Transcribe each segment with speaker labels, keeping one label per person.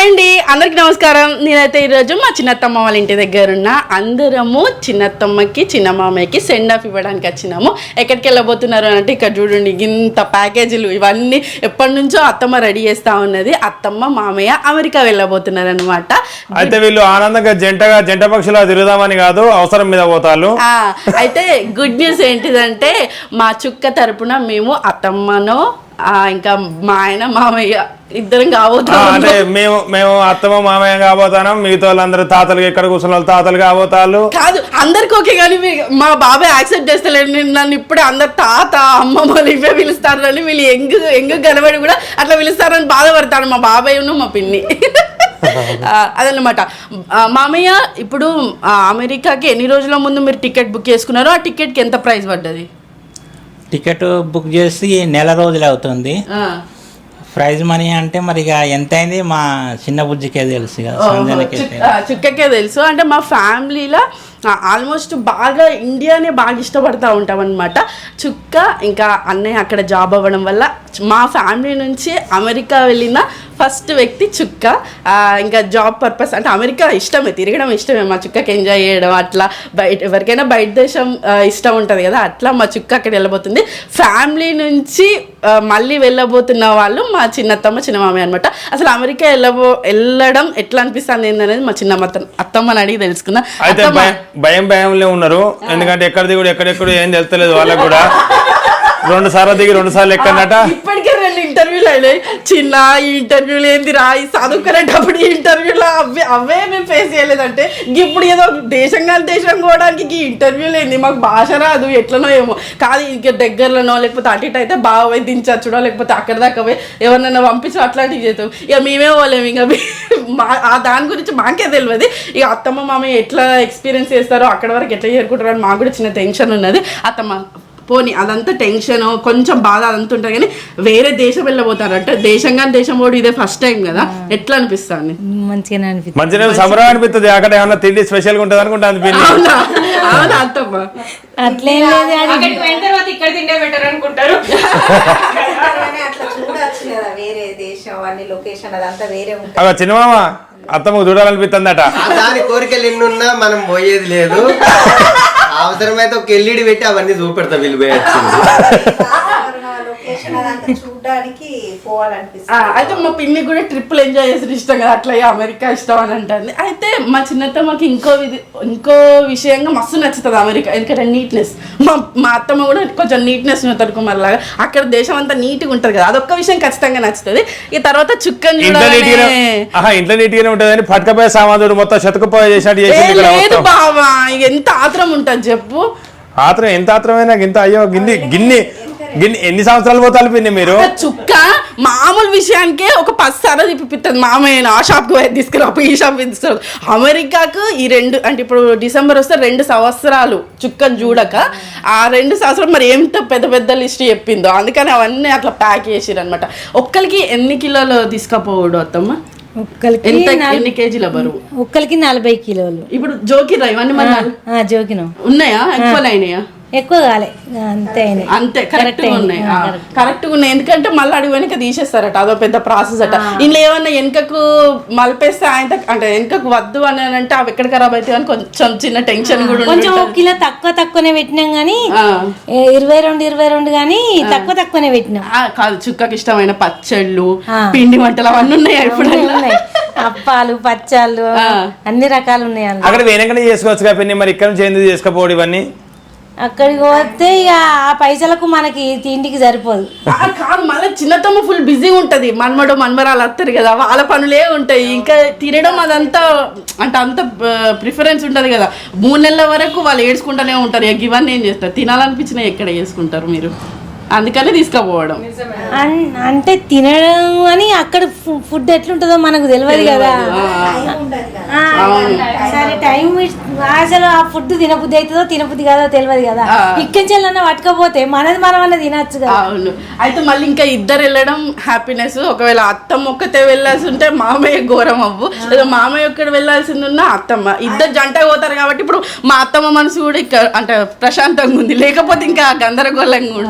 Speaker 1: Hi అండి, అందరికి నమస్కారం. నేనైతే ఈరోజు మా చిన్నత్తమ్మ వాళ్ళ ఇంటి దగ్గర ఉన్న అందరము చిన్నత్తమ్మకి చిన్న మామయ్యకి సెండ్ ఆఫ్ ఇవ్వడానికి వచ్చినాము. ఎక్కడికి వెళ్ళబోతున్నారు అంటే ఇక్కడ చూడండి, ఇంత ప్యాకేజీలు ఇవన్నీ ఎప్పటి నుంచో అత్తమ్మ రెడీ చేస్తా ఉన్నది. అత్తమ్మ మామయ్య అమెరికా వెళ్ళబోతున్నారు అనమాట.
Speaker 2: అయితే వీళ్ళు ఆనందంగా జంట పక్షులా తిరుగుదామని కాదు, అవసరం మీద పోతారు.
Speaker 1: అయితే గుడ్ న్యూస్ ఏంటిదంటే మా చుక్క తరపున మేము అత్తమ్మను ఇంకా మా ఆయన మామయ్య ఇద్దరం కాబోతాం.
Speaker 2: అంటే మేము అత్తమ్మ మామయ్య కాబోతాం. మిగతా వాళ్ళందరూ తాతలు ఎక్కడ కూర్చున్న వాళ్ళు తాతలు కాబోతారు.
Speaker 1: కాదు అందరికి ఓకే, కానీ మా బాబాయ్ యాక్సెప్ట్ చేస్తలేడు. నన్ను ఇప్పుడే అందరు తాత అమ్మమ్మలు ఇవే పిలుస్తారని, వీళ్ళు ఎంగు కనబడి కూడా అట్లా పిలుస్తారని బాధపడతాడు మా బాబాయ్ మా పిన్ని. అదనమాట. మామయ్య, ఇప్పుడు అమెరికాకి ఎన్ని రోజుల ముందు మీరు టికెట్ బుక్ చేసుకున్నారో ఆ టికెట్కి ఎంత ప్రైస్ పడ్డది?
Speaker 3: టికెట్ బుక్ చేసి నెల రోజులు అవుతుంది. ప్రైజ్ మనీ అంటే మరి ఇక ఎంత అయింది మా చిన్న బుజ్జికే తెలుసు,
Speaker 1: చుక్కకే తెలుసు. అంటే మా ఫ్యామిలీలో ఆల్మోస్ట్ బాగా ఇండియానే బాగా ఇష్టపడతా ఉంటాం అనమాట. చుక్క ఇంకా అన్నయ్య అక్కడ జాబ్ అవ్వడం వల్ల మా ఫ్యామిలీ నుంచి అమెరికా వెళ్ళిన ఫస్ట్ వ్యక్తి చుక్క. ఇంకా జాబ్ పర్పస్ అంటే అమెరికా ఇష్టమే, తిరగడం ఇష్టమే మా చుక్కకి, ఎంజాయ్ చేయడం అట్లా. ఎవరికైనా బయట దేశం ఇష్టం ఉంటుంది కదా, అట్లా మా చుక్క అక్కడ వెళ్ళబోతుంది. ఫ్యామిలీ నుంచి మళ్ళీ వెళ్ళబోతున్న వాళ్ళు మా చిన్నత్తమ్మ చిన్న మామయ్య అనమాట. అసలు అమెరికా వెళ్ళడం ఎట్లా అనిపిస్తుంది ఏందనేది మా చిన్న అత్తమ్మని అడిగి తెలుసుకుందాం.
Speaker 2: భయంలో ఉన్నారు, ఎందుకంటే ఎక్కడ దిగుడు ఎక్కడెక్కడ ఏం తెలుస్తలేదు వాళ్ళకు కూడా. 2 సార్లు దిగి 2 సార్లు ఎక్కడట.
Speaker 1: ఇప్పటికే 2 ఇంటర్వ్యూలు అయినాయి. చిన్న ఈ ఇంటర్వ్యూలు ఏంది రా, ఈ చదువుకునేటప్పుడు ఈ ఇంటర్వ్యూలో అవే మేము ఫేస్ చేయలేదంటే ఇప్పుడు ఏదో దేశం పోవడానికి ఈ ఇంటర్వ్యూలు ఏంది, మాకు భాష రాదు ఎట్లనో ఏమో. కాదు ఇంక దగ్గరలోనో లేకపోతే అటు ఇటు అయితే బాగా పోయి దించచ్చుడో, లేకపోతే అక్కడ దాకా పోయి ఎవరినైనా పంపించు అట్లాంటివి చేస్తాం. ఇక మేమే పోలేము. ఇంకా దాని గురించి మాకే తెలియదు. ఇక అత్తమ్మ మామయ్య ఎట్లా ఎక్స్పీరియన్స్ చేస్తారో, అక్కడ వరకు ఎట్లా చేరుకుంటారో అని మాకు కూడా చిన్న టెన్షన్ ఉన్నది. అత్తమ్మ పోనీ అదంతా టెన్షన్ కొంచెం బాధ అదంతా ఉంటుంది, కానీ వేరే దేశం వెళ్ళబోతారంట. దేశం పోడు ఇదే ఫస్ట్ టైం కదా, ఎట్లా అనిపిస్తుంది?
Speaker 2: మంచిగా సంబరం అనిపిస్తుంది. అక్కడ ఏమన్నా తిండి స్పెషల్ గా ఉంటుంది అనుకుంటా.
Speaker 1: అవునా అత్తమ్మ?
Speaker 4: అట్లేం లేదు, ఇక్కడ తిండే బెటర్ అనుకుంటారు.
Speaker 2: చిన్నమామ అత్తమ్మకు చూడాలనిపిస్తుందట.
Speaker 5: దాని కోరికలు ఎన్నున్నా మనం పోయేది లేదు. అవసరమైతే ఒక ఎల్ఈడి పెట్టి అవన్నీ చూపెడతా వీళ్ళు
Speaker 1: అయితే మా పిన్ని కూడా ట్రిప్పులు ఎంజాయ్ చేసిన ఇష్టం కదా, అట్లా అమెరికా ఇష్టం అని అంటుంది. అయితే మా చిన్నత్తమ్మకి ఇంకో విషయంగా మస్తు నచ్చుతుంది అమెరికా, ఎందుకంటే నీట్నెస్. మా అత్తమ్మ కూడా కొంచెం నీట్నెస్ తరుకుమార్ లాగా అక్కడ దేశం అంతా నీట్గా ఉంటుంది కదా, అదొక్క విషయం ఖచ్చితంగా నచ్చుతుంది. ఈ తర్వాత చుక్కని
Speaker 2: ఇంట్లో నీట్గానే ఉంటుంది, పట్టుకపోయే సామాన్లు మొత్తం శతకపోయే చేసినట్టు
Speaker 1: బావా. ఎంత ఆత్రం ఉంటుంది చెప్పు.
Speaker 2: ఆత్రం ఎంత ఆత్రమైనా ఇంత అయ్యో గిన్ని ఎన్ని సంవత్సరాలు పోతారు పిన్ని మీరు?
Speaker 1: చుక్క మామూలు విషయానికే ఒక 10 సార్లు తిప్పిస్తుంది మామయ్య. ఆ షాప్కి పోయి తీసుకురా, ఈ షాప్కి తీసుకురా. అమెరికాకు ఈ 2 అంటే ఇప్పుడు డిసెంబర్ వస్తే 2 సంవత్సరాలు చుక్కను చూడక, ఆ 2 సంవత్సరాలు మరి ఎంత పెద్ద లిస్ట్ చెప్పిందో, అందుకని అవన్నీ అట్లా ప్యాక్ చేసిరు అనమాట. ఒక్కరికి ఎన్ని కిలోలు తీసుకపోవడు అత్తమ్మ? ఎన్ని కేజీల బరువు?
Speaker 4: ఒక్కరికి 40 కిలోలు.
Speaker 1: ఇప్పుడు జోకిరా ఇవన్నీ మన
Speaker 4: జోకినం
Speaker 1: ఉన్నాయా? ఎక్కువనైనాయా?
Speaker 4: ఎక్కువ కాలే,
Speaker 1: అంతే కరెక్ట్గా ఉన్నాయి. కరెక్ట్గా ఉన్నాయి, ఎందుకంటే మళ్ళీ అడుగు వెనక తీసేస్తారట, అదో పెద్ద ప్రాసెస్ అట. ఇంట్లో ఏమన్నా వెనకకు మలిపేస్తే ఆయన అంటే వెనకకు వద్దు అని అంటే అవి ఎక్కడ ఖరాబ్ అవుతాయి అని కొంచెం చిన్న టెన్షన్ కూడా.
Speaker 4: కొంచెం 1 కిలో తక్కువనే పెట్టినాం కానీ 22 కానీ తక్కువనే పెట్టినాం.
Speaker 1: కాదు, చుక్కకి ఇష్టమైన పచ్చళ్ళు పిండి వంటలు అవన్నీ ఉన్నాయి. ఇప్పుడు
Speaker 4: అప్పాలు పచ్చళ్ళు అన్ని రకాలు ఉన్నాయి.
Speaker 2: అక్కడ వెనకనే చేసుకోవచ్చు పిన్ని, మరి ఇక్కడ నుంచి ఎందుకు చేసుకోపోవడం ఇవన్నీ?
Speaker 4: అక్కడికి పోతే ఇక ఆ పైసలకు మనకి తిండికి సరిపోదు.
Speaker 1: కాదు, మళ్ళీ చిన్నతమ్మ ఫుల్ బిజీగా ఉంటది. మన్మరాలు వస్తారు కదా, వాళ్ళ పనులే ఉంటాయి. ఇంకా తినడం అదంతా అంటే అంత ప్రిఫరెన్స్ ఉంటది కదా. 3 నెలల వరకు వాళ్ళు ఏడ్చుకుంటూనే ఉంటారు. ఇక ఇవన్నీ ఏం చేస్తారు? తినాలనిపించినా ఎక్కడ చేసుకుంటారు మీరు? అందుకనే తీసుకుపోవడం.
Speaker 4: అంటే తినడం అని అక్కడ ఫుడ్ ఎట్లుంటుందో మనకు తెలియదు కదా. సరే టైం అసలు ఆ ఫుడ్ తినబుద్ధి అవుతుందో తినబుద్ధి కాదో తెలియదు కదా. ఇక్కడికెళ్ళన్నా పట్టుకపోతే మనది మనం తినచ్చు కదా.
Speaker 1: అవును. అయితే మళ్ళీ ఇంకా ఇద్దరు వెళ్ళడం హ్యాపీనెస్. ఒకవేళ అత్తమ్మ ఒక్కతే వెళ్ళాల్సి ఉంటే మామయ్య ఘోరం అవ్వు, లేదా మామయ్య ఒక్కడు వెళ్ళాల్సింది ఉన్నా అత్తమ్మ, ఇద్దరు జంట పోతారు కాబట్టి ఇప్పుడు మా అత్తమ్మ మనసు కూడా ఇక్కడ అంటే ప్రశాంతంగా ఉంది, లేకపోతే ఇంకా గందరగోళంగా ఉండవు.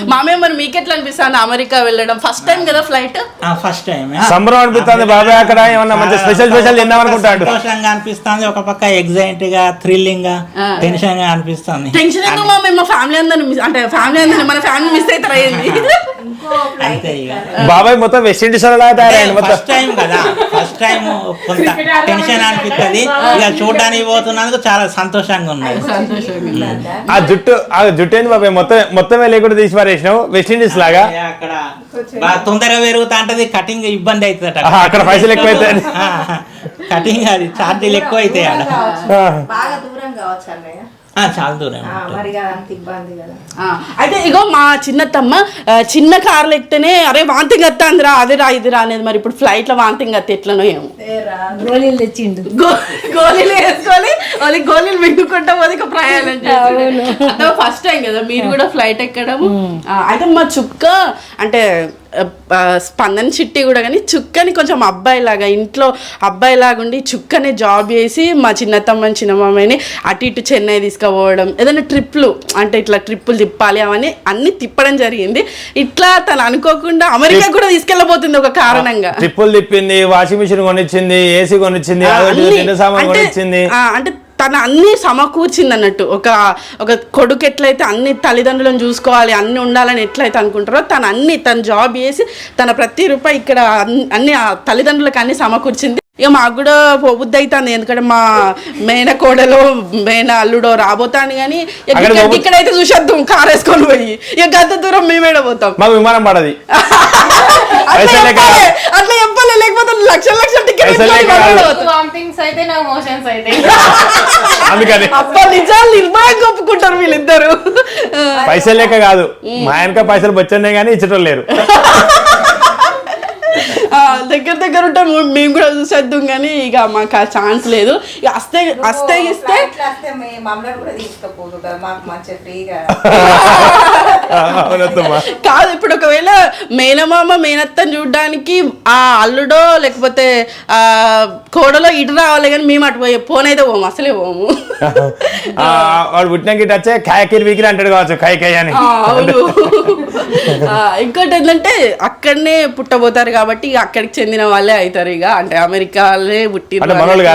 Speaker 1: మామయ్య మరి మీకు ఎట్లా అనిపిస్తుంది అమెరికా వెళ్ళడం? ఫస్ట్ టైం కదా ఫ్లైట్?
Speaker 3: ఫస్ట్ టైం
Speaker 2: సంబరం అనిపిస్తుంది బాబాయ్, అక్కడ ఏమన్నా మంచి స్పెషల్ తిందాం అనుకుంటాడు.
Speaker 3: సంతోషంగా అనిపిస్తుంది, ఒక పక్క ఎగ్జైట్ గా థ్రిల్లింగ్ గా టెన్షన్ గా అనిపిస్తుంది.
Speaker 1: టెన్షన్ ఎందుకు మామయ్య? మా ఫ్యామిలీ అందరిని అంటే ఫ్యామిలీ అందరిని మన ఫ్యామిలీ మిస్ అవుతారు అయ్యింది.
Speaker 3: అంతే ఇక
Speaker 2: బాబాయ్ మొత్తం వెస్ట్ ఇండీస్ తయారైంది మొత్తం.
Speaker 3: ఫస్ట్ టైం కదా, ఫస్ట్ టైం కొంత టెన్షన్ అనిపిస్తుంది. ఇక చూడడానికి పోతున్నందుకు చాలా సంతోషంగా ఉన్నది.
Speaker 2: ఆ జుట్టు ఏంది బాబాయ్ మొత్తమే లేకుండా తీసి పారేసినావు వెస్ట్ ఇండీస్ లాగా.
Speaker 3: అక్కడ బాగా తొందరగా పెరుగుతా ఉంటది, కటింగ్ ఇబ్బంది అవుతుంది.
Speaker 2: అక్కడ పైసలు ఎక్కువ అవుతాయి,
Speaker 3: కటింగ్ అది ఛార్జీలు ఎక్కువ అవుతాయి ఆడ.
Speaker 6: బాగా దూరం కావచ్చు అన్నయ్య,
Speaker 3: చాలా దూరం.
Speaker 6: మరి అంత ఇబ్బంది కదా.
Speaker 1: అయితే ఇగో మా చిన్నత్తమ్మ చిన్న కార్లు ఎక్కితేనే అరే వాంతింగ్ వస్తాందిరా అదిరా ఇదిరా అనేది. మరి ఇప్పుడు ఫ్లైట్ లో వాంతింగ్ వస్తే ఎట్లనో ఏమో.
Speaker 4: గోళీలు తెచ్చిండు,
Speaker 1: గోళీలు వేసుకొని వాళ్ళకి గోళీలు మింగుకుంటా పోతే ఇక ప్రయాణం చేస్తాడు. ఫస్ట్ టైం కదా మీరు కూడా ఫ్లైట్ ఎక్కడము. అయితే మా చుక్క అంటే స్పందన చిట్టి కూడా కానీ చుక్కని కొంచెం అబ్బాయిలాగా ఇంట్లో అబ్బాయిలాగా ఉండి చుక్కనే జాబ్ చేసి మా చిన్నతమ్మని చిన్నమామని అటు ఇటు చెన్నై తీసుకుపోవడం, ఏదైనా ట్రిప్లు అంటే ఇట్లా ట్రిప్పులు తిప్పాలి అవన్నీ అన్ని తిప్పడం జరిగింది. ఇట్లా తను అనుకోకుండా అమెరికా కూడా తీసుకెళ్ళబోతుంది ఒక కారణంగా.
Speaker 2: ట్రిప్పులు తిప్పింది, వాషింగ్ మిషన్ కొనిచ్చింది, ఏసీ కొనిచ్చింది, సామాన్ కొనిచ్చింది.
Speaker 1: అంటే తను అన్ని సమకూర్చింది అన్నట్టు. ఒక కొడుకు ఎట్లయితే అన్ని తల్లిదండ్రులను చూసుకోవాలి అన్ని ఉండాలని ఎట్లయితే అనుకుంటారో తను జాబ్ చేసి తన ప్రతి రూపాయి ఇక్కడ అన్ని తల్లిదండ్రులకు అన్ని సమకూర్చింది. ఇక మాకు కూడా పోబుద్ది అవుతుంది, ఎందుకంటే మా మేన కోడలో మేన అల్లుడో రాబోతాను. కానీ ఇక్కడైతే చూసేద్దాం కారు వేసుకొని పోయి, ఇక గంత దూరం మేమేడ పోతాం.
Speaker 2: మాకు విమానం పడది
Speaker 1: అట్లా చెప్పాలి, లేకపోతే లక్షల టికెట్ అబ్బా నిజాలు నిర్భయంగా ఒప్పుకుంటారు వీళ్ళిద్దరు.
Speaker 2: పైసలు లేక కాదు, మా ఆయనక పైసలు వచ్చాయి కానీ ఇచ్చటం లేరు.
Speaker 1: దగ్గర ఉంటే మేము కూడా చూసేద్దాం కానీ ఇక మాకు ఆ ఛాన్స్ లేదు. ఇక అస్తే ఇస్తే
Speaker 6: మమ్మల్ని కూడా తీసుకపోదు కదా, మాకు మంచిగా ఫ్రీగా
Speaker 1: కాదు. ఇప్పుడు ఒకవేళ మేనమామ మేనత్తని చూడడానికి ఆ అల్లుడో లేకపోతే ఆ కోడలో ఇటు రావాలి కానీ మేము అటు పోనైతే పోము, అసలే పోము.
Speaker 2: వాడు పుట్టిన గిట్ వచ్చే కాయకిరి వీకిరి అంటాడు కావచ్చు, కాయ అని.
Speaker 1: అవును. ఇంకోటి ఏంటంటే అక్కడనే పుట్టబోతారు కాబట్టి అక్కడికి చెందిన వాళ్ళే అవుతారు. ఇక అంటే అమెరికాలే పుట్టిరు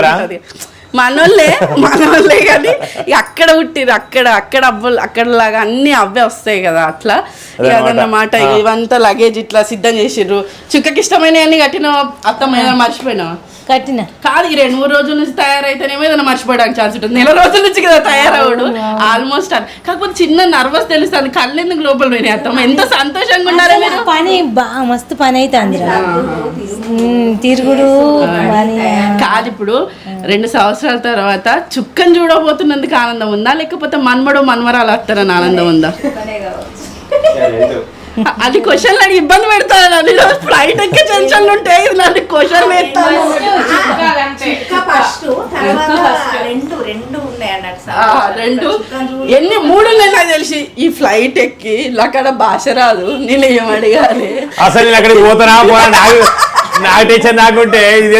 Speaker 1: మనోళ్ళే కానీ అక్కడ పుట్టిరు, అక్కడ అవ్వలు అక్కడలాగా అన్ని అవే వస్తాయి కదా. అట్లా అదన్నమాట. ఇవంతా లగేజ్ ఇట్లా సిద్ధం చేసిర్రు. చుక్కకి ఇష్టమైన అన్ని కట్టిన అత్తమ్మ ఏదైనా మర్చిపోయినా
Speaker 4: కట్టిన
Speaker 1: కాదు. ఈ 2-3 రోజుల నుంచి తయారైతేనేమో ఏదైనా మర్చిపోవడానికి ఛాన్స్ ఉంటుంది. నెల రోజుల నుంచి కదా తయారవడు ఆల్మోస్ట్. కాకపోతే చిన్న నర్వస్ తెలుస్తుంది, కళ్ళు ఎందుకు లోపల పోయినాయి అత్తమ్మ. ఎంత సంతోషంగా ఉన్నారా మీరు?
Speaker 4: పని మస్తు పని అవుతుంది తిరుగుడు
Speaker 1: కాదు. ఇప్పుడు 2 సంవత్సరాల తర్వాత చుక్కని చూడబోతున్నందుకు ఆనందం ఉందా, లేకపోతే మన్మడు మన్మరాలు వస్తారని ఆనందం ఉందా? అది క్వశ్చన్ అడిగి ఇబ్బంది పెడతాను. అది ఫ్లైట్ ఎక్కే టెన్షన్లు ఉంటాయి, నన్ను క్వశ్చన్ పెడతాను. రెండు ఎన్ని 3 ఉన్నాయి నాకు తెలిసి. ఈ ఫ్లైట్ ఎక్కి అక్కడ భాష రాదు, నేను ఏం అడగాలి
Speaker 2: అసలు నేను అక్కడికి పోతానా నాకు టెన్షన్ నాకుంటే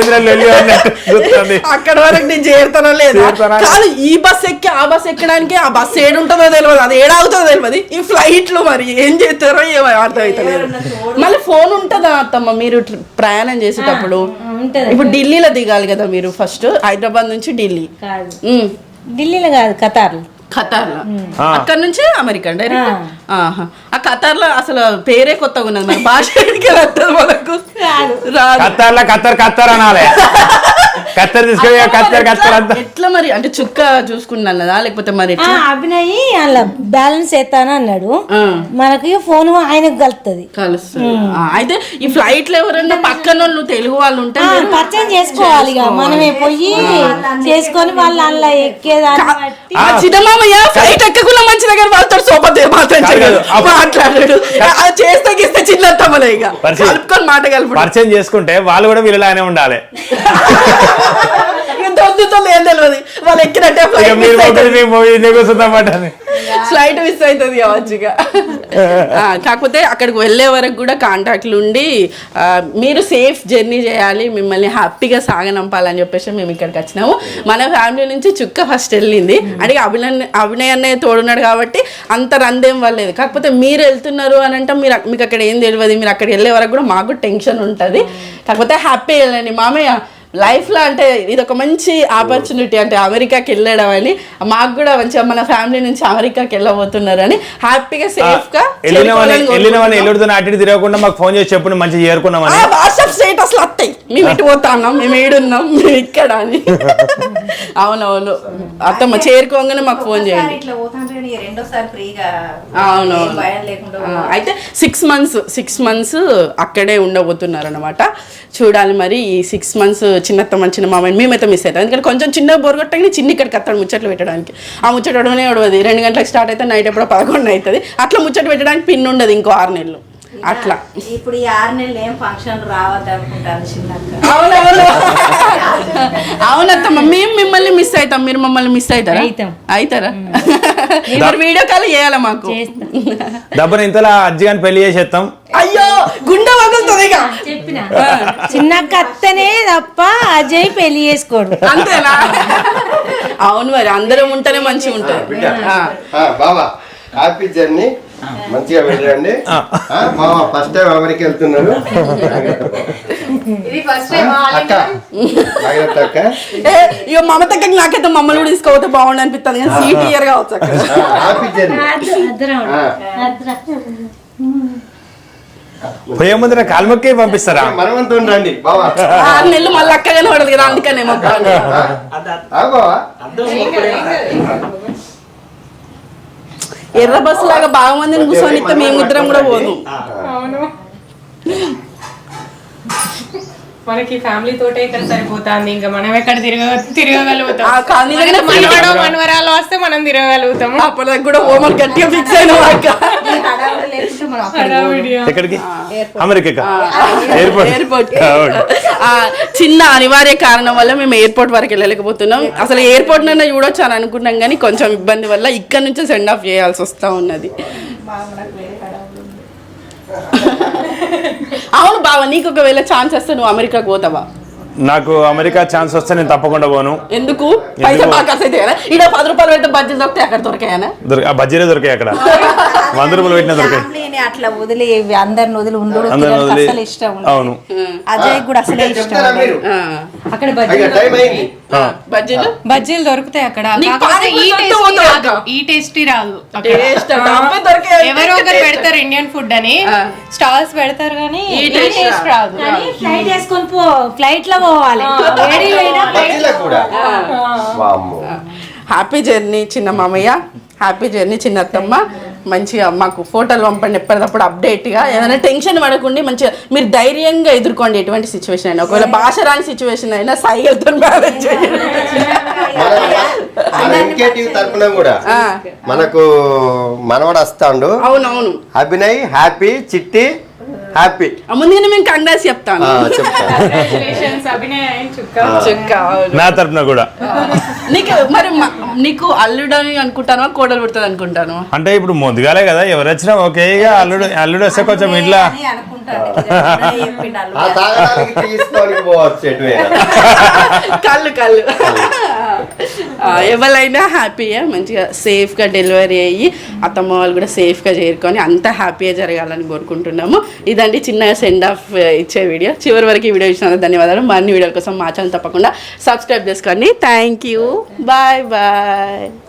Speaker 1: అక్కడ వరకు నేను చేరుతానో లేదా కాదు. ఈ బస్ ఎక్కి ఆ బస్ ఎక్కడానికి ఆ బస్ ఏడుంటుందో తెలియదు, అది ఏడాగుతుందో తెలియదు. ఈ ఫ్లైట్ లో మరి ఏం చేస్తారో ఏమో అర్థం అవుతలేదు. మళ్ళీ ఫోన్ ఉంటుందా అత్తమ్మ మీరు ప్రయాణం చేసేటప్పుడు? ఇప్పుడు ఢిల్లీలో దిగాలి కదా మీరు, ఫస్ట్ హైదరాబాద్ నుంచి ఢిల్లీ.
Speaker 4: ఢిల్లీలో కాదు, ఖతార్లో.
Speaker 1: అక్కడ నుంచి అమెరికా డైరెక్ట్. ఆ ఖతార్ లో అసలు పేరే కొత్తగా ఉన్నది, మరి భాష మనకు
Speaker 2: ఖత్తర్ అనాలి. ఖత్తర్ తీసుకొని ఖత్తర్ అంతా
Speaker 1: ఎట్లా మరి? అంటే చుక్క చూసుకున్నాను కదా, లేకపోతే మరి
Speaker 4: అభినయ్ అలా బ్యాలెన్స్ చేస్తాను అన్నాడు. మనకి ఫోన్ ఆయనకు కలుస్తుంది.
Speaker 1: అయితే ఈ ఫ్లైట్ లో ఎవరైనా పక్కన వాళ్ళు తెలుగు వాళ్ళు ఉంటే
Speaker 4: పరిచయం చేసుకోవాలి. ఇక మనమే పోయి చేసుకొని వాళ్ళు అలా ఎక్కేదాన్ని
Speaker 1: చిన్నమామయ్య ఫ్లైట్ ఎక్కకుండా మంచి దగ్గర వాళ్ళతో సోపతే మాట్లాడాడు. చేస్తే గీస్తే చిన్నత్తమ్మలే ఇక కలుపుకొని మాట కలుపు
Speaker 2: పరిచయం చేసుకుంటే వాళ్ళు కూడా వీళ్ళలానే ఉండాలి.
Speaker 1: వద్దుతో ఏం తెలియదు వాళ్ళు ఎక్కినట్టే
Speaker 2: ఇక మీరు కూర్చుందామాట
Speaker 1: ఫ్లైట్ మిస్ అవుతుంది కావచ్చుగా. కాకపోతే అక్కడికి వెళ్ళే వరకు కూడా కాంటాక్ట్లు ఉండి మీరు సేఫ్ జర్నీ చేయాలి, మిమ్మల్ని హ్యాపీగా సాగనంపాలని చెప్పేసి మేము ఇక్కడికి వచ్చినాము. మన ఫ్యామిలీ నుంచి చుక్క ఫస్ట్ వెళ్ళింది, అంటే అభినయ్ అన్నయ్య తోడున్నాడు కాబట్టి అంత రందేం వల్లేదు. కాకపోతే మీరు వెళ్తున్నారు అని అంటే మీకు అక్కడ ఏం తెలియదు, మీరు అక్కడికి వెళ్ళే వరకు కూడా మాకు టెన్షన్ ఉంటుంది. కాకపోతే హ్యాపీ వెళ్ళండి మామయ్య. లైఫ్లో అంటే ఇది ఒక మంచి ఆపర్చునిటీ, అంటే అమెరికాకి వెళ్ళడం అని మాకు కూడా మంచిగా మన ఫ్యామిలీ నుంచి అమెరికాకి వెళ్ళబోతున్నారు అని హ్యాపీగా సేఫ్గా
Speaker 2: వెళ్ళిన అటు తిరగకుండా మాకు ఫోన్ చేసి చెప్పు మంచిగా చేరుకున్నామని.
Speaker 1: వాట్సాప్ స్టేటస్లు వస్తాయి, మేము ఇటు పోతాన్నాం, మేము ఏడున్నాం, మేము ఇక్కడ అని. అవునవును అత్తమ్మ చేరుకోగానే మాకు ఫోన్ చేయండి.
Speaker 6: ఇట్లా పోతాంటే రెండోసారి ఫ్రీగా
Speaker 1: అవునవును.
Speaker 6: భయం లేకుండా
Speaker 1: అయితే 6 months అక్కడే ఉండబోతున్నారు అనమాట. చూడాలి మరి ఈ 6 months చిన్నత్తమ్మ చిన్న మామయ్య మేమైతే మిస్ అవుతాం. ఎందుకంటే కొంచెం చిన్న బోర్ కొట్టగానే చిన్న ఇక్కడికి వస్తాడు ముచ్చట్లు పెట్టడానికి. ఆ ముచ్చట ఉడవనే ఉడవది, 2 గంటలకు స్టార్ట్ అయితే నైట్ ఎప్పుడో 11 అవుతుంది. అట్లా ముచ్చట పెట్టడానికి పిన్ ఉండదు ఇంకో 6 నెలలు అట్లా.
Speaker 6: ఇప్పుడు ఈ 6 నెలలు ఏం ఫంక్షన్ రావద్దు అనుకుంటాను చిన్నక్క.
Speaker 1: అవునవును అవునత్తమ్మ మేము మిమ్మల్ని మిస్ అవుతాం, మీరు మమ్మల్ని మిస్ అవుతారా? అవుతారా? మరి వీడియో కాల్ చేయాలా మాకు?
Speaker 2: డబ్బుని ఇంతలా అజ్జిగాని పెళ్లి చేసేస్తాం.
Speaker 1: అయ్యో గుండె వగులుతుంది ఇక.
Speaker 4: చెప్పిన చిన్నక్క అత్తనే తప్ప అజయ్ పెళ్లి చేసుకోడు.
Speaker 1: అంతేనా? అవును మరి అందరం ఉంటేనే మంచిగా ఉంటుంది.
Speaker 5: బాబా హ్యాపీ జర్నీ, మంచిగా వెళ్ళండి. మామ ఫస్ట్ టైం అమెరికా వెళ్తున్నారు.
Speaker 6: ఇది ఫస్ట్ టైం
Speaker 5: అక్క జాగ్రత్త అక్క.
Speaker 1: ఇక మమతకి నాకైతే మమ్మల్ని కూడా తీసుకోపోతే బాగుండు అనిపిస్తుంది, కానీ సీట్ ఇయర్ కావచ్చు అక్కడ.
Speaker 5: Happy journey.
Speaker 2: పోయే ముందు కాల్మొక్కే పంపిస్తారా?
Speaker 5: మనమంతా రండి బాబా.
Speaker 1: 6 నెలలు మళ్ళీ అక్కగానే పడదు కదా, అందుకనే
Speaker 5: బాబా
Speaker 1: ఎర్ర బస్సు లాగా బాగా మందిని కూర్చొని ఇస్తే మేము ఇద్దరం కూడా పోదు.
Speaker 7: అవును మనకి ఫ్యామిలీ తోటే ఇక్కడ సరిపోతుంది, ఇంకా మనం ఎక్కడ తిరగగలుగుతాం. మనవరాలు వస్తే మనం తిరగగలుగుతాము.
Speaker 1: అప్పటిదాకా కూడా హోంవర్క్ గట్టిగా ఫిక్స్ అయిన
Speaker 2: ఎక్కడికి? అమెరికా
Speaker 1: ఎయిర్పోర్ట్. చిన్న అనివార్య కారణం వల్ల మేము ఎయిర్పోర్ట్ వరకు వెళ్ళలేకపోతున్నాం. అసలు ఎయిర్పోర్ట్ నైనా చూడొచ్చు అని అనుకున్నాం, కానీ కొంచెం ఇబ్బంది వల్ల ఇక్కడ నుంచి సెండ్ ఆఫ్ చేయాల్సి వస్తా ఉన్నది. అవును బావ, నీకు ఒకవేళ ఛాన్స్ వస్తే నువ్వు అమెరికాకు పోతావా?
Speaker 2: నాకు అమెరికా ఛాన్స్ వస్తే నేను తప్పకుండా పోను.
Speaker 1: ఎందుకు? పైసా బాగా ఖర్చు అయితే కదా. ఇక్కడ 10 రూపాయలు పెడితే బజ్జీలు దొరికితే అక్కడ దొరికాయనా?
Speaker 2: బజ్జీలే దొరికాయి అక్కడ. 100 రూపాయలు పెట్టినా దొరికాయి.
Speaker 6: అట్లా వదిలి అందరిని వదిలి ఉండు అసలు ఇష్టం.
Speaker 2: అవును
Speaker 6: అజయ్ కూడా అసలే ఇష్టం.
Speaker 7: అక్కడ బజ్జీలు దొరుకుతాయి అక్కడ. ఈ టేస్టీ రాదు. ఎవరో ఒకరు పెడతారు ఇండియన్ ఫుడ్ అని స్టాల్స్ పెడతారు, కానీ ఈ టేస్ట్ రాదు.
Speaker 4: ఫ్లైట్ వేసుకొని పో, ఫ్లైట్ లో పోవాలి.
Speaker 1: హ్యాపీ జర్నీ చిన్న మామయ్య, హ్యాపీ జర్నీ చిన్నత్తమ్మ. మంచిగా మాకు ఫోటోలు పంపండి ఎప్పటికప్పుడు అప్డేట్గా. ఏదైనా టెన్షన్ పడకుండా మంచిగా మీరు ధైర్యంగా ఎదుర్కోండి ఎటువంటి సిచ్యువేషన్ అయినా. ఒకవేళ భాష రాని సిచ్యువేషన్ అయినా సైగలతో మేనేజ్ చేయండి.
Speaker 5: తరపున కూడా మనకు మనవాడు వస్తాడు.
Speaker 1: అవునవును
Speaker 5: అభినయ్ హ్యాపీ, చిట్టి హ్యాపీ.
Speaker 1: ముందుగానే మేము కంగ్రాట్స్ చెప్తాను.
Speaker 2: నా తరపున కూడా.
Speaker 1: నీకు మరి నీకు అల్లుడని అనుకుంటాను, కోడలు పుడుతుంది అనుకుంటాను.
Speaker 2: అంటే ఇప్పుడు ముందుగాలే కదా, ఎవరు వచ్చినా ఓకే. ఇక అల్లుడు వస్తే కొంచెం ఇట్లా
Speaker 1: కళ్ళు ఎవరైనా హ్యాపీగా మంచిగా సేఫ్గా డెలివరీ అయ్యి అత్తమ్మ వాళ్ళు కూడా సేఫ్గా చేరుకొని అంతా హ్యాపీగా జరగాలని కోరుకుంటున్నాము. ఇదండి చిన్న సెండ్ ఆఫ్ ఇచ్చే వీడియో. చివరి వరకు ఈ వీడియో ఇచ్చినందుకు ధన్యవాదాలు. మరిన్ని వీడియోల కోసం మా ఛానల్ తప్పకుండా సబ్స్క్రైబ్ చేసుకోండి. Thank you. Bye bye.